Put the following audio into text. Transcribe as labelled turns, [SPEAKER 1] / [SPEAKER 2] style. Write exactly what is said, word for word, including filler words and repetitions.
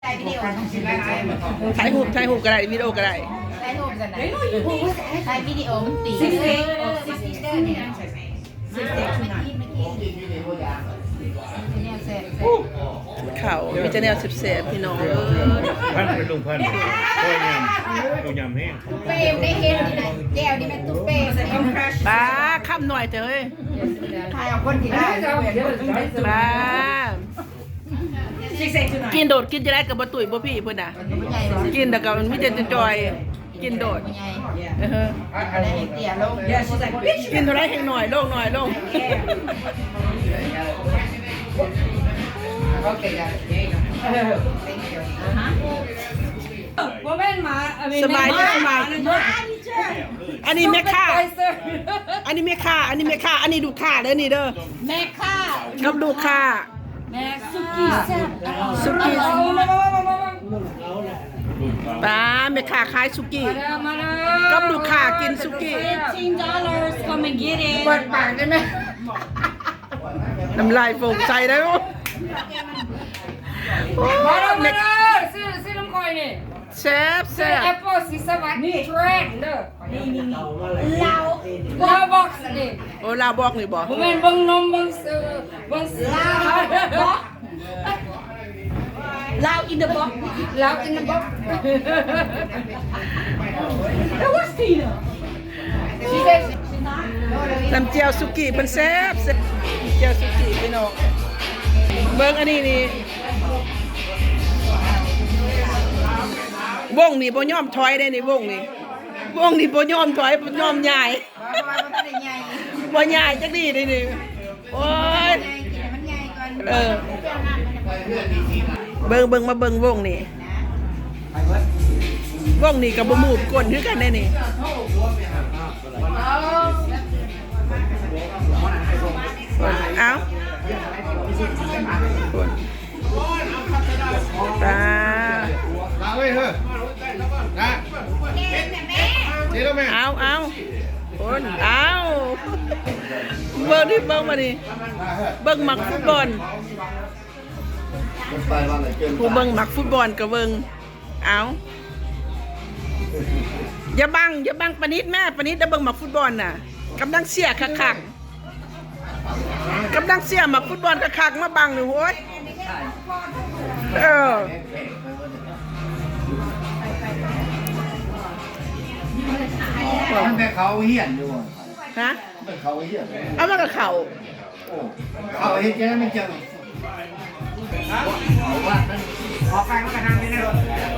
[SPEAKER 1] ถ่ายวิดีโอ
[SPEAKER 2] ถ่ายรูปถ่ายรูปก็ได้วิดีโอก็ได้
[SPEAKER 1] ถ่ายรูปกันไหนถ่ายวิดีโอมันตีซิกเซ็กซิกเซ็กนี่นะซิกเซ็กไม่กินไม่กินเนี่ยเสร็จ
[SPEAKER 2] เขามีแต่แนวเสียบๆพี่น้องเออ
[SPEAKER 3] พันเป็นลุงพันโอ้ยยำดูยำแห้ง
[SPEAKER 1] ตุ๊เป้ได้เห็นนี่นะแก้วนี่เป็นตุ๊เป้
[SPEAKER 2] ป้าค่ำหน่อยเถอะเฮ้ย
[SPEAKER 1] ถ่ายเอาคนที่ได้
[SPEAKER 2] ป้ากินโดดกินจะได้กับบะตุ๋ยบ่พี่เพิ่นน่ะกินแต่ก็มันมีแต่จะจอยกินโดดเออ
[SPEAKER 1] อะไรเตี้ยลง
[SPEAKER 2] กินเท่าไรแห้งหน่อยลงหน่อยลงสบายดีสบายอันนี้แม่ค่าอันนี้แม่ค่าอันนี้แม่ค่าอันนี้ดูค่าเด้อนี่เด้อ
[SPEAKER 1] แม่ค่า
[SPEAKER 2] กับดูค่า
[SPEAKER 1] แม่สุกี้แซ่บ
[SPEAKER 2] สุกี้ป้าแม่ค่าขายสุกี้กับดูค่ากินสุกี้
[SPEAKER 1] fifteen dollars come and get it
[SPEAKER 2] เปิดปากได้ไหมน้ำลายโฟกใส่ได้มั้ยมาแล้วมาแล้วซื้อซื้อน้ำคอยนี่แซ่บแซ่บ
[SPEAKER 4] แอปเปิลสีสวัสดิ์นี่เทรนเด้อนี่นี่นี่
[SPEAKER 1] เรา
[SPEAKER 4] ลาวบ็อกซ์นี่
[SPEAKER 2] โอ้ลาบอกนี่บ่
[SPEAKER 4] ผมเป็นบังนมบังซื้อบังซื้อ
[SPEAKER 1] ลาวบ็อกลาว in the box
[SPEAKER 4] ลาวอินเดอะบ็อกซ์
[SPEAKER 1] แล้ว what's Tina
[SPEAKER 4] she said
[SPEAKER 2] น้ำเจียวสุกี้เป็นแซ่บแซ่บเจียวสุกี้พี่น้องเบิ่งอันนี้นี่วงนี่บ่ยอมถอยได้นี่วงนี่วงนี่บ่ยอมถอยบ่ยอมย้ายบ่ย้ายจักดีนี่นี่โอ้ยเออเบิ่งเบิ่งมาเบิ่งวงนี่วงนี่ก็บ่มูดก้นคือกันได้นี่เอาตา
[SPEAKER 3] มาเว้ยเฮ้ยนะนี่แล้วแม่
[SPEAKER 2] เอาเอาคนเอาเบิ่งดิเบิ่งมาดิเบิ่งหมักฟุตบอลผู้เบิ่งหมักฟุตบอลก็เบิ่งเอาอย่าบังอย่าบังปนิดแม่ปนิดจะเบิ่งหมักฟุตบอลน่ะกำลังเสียคักๆกำลังเสียหมักฟุตบอลคักๆมาบังนี่โว้ยเออ
[SPEAKER 3] มันแต่เขาเหี้ยนอยู่
[SPEAKER 2] ฮะ
[SPEAKER 3] มันเขาเหี้ยน
[SPEAKER 2] เอามากับเขา
[SPEAKER 3] เขาเหี้ยนแค่ไม่เจอ
[SPEAKER 4] ขอฟังกระทำไปนะ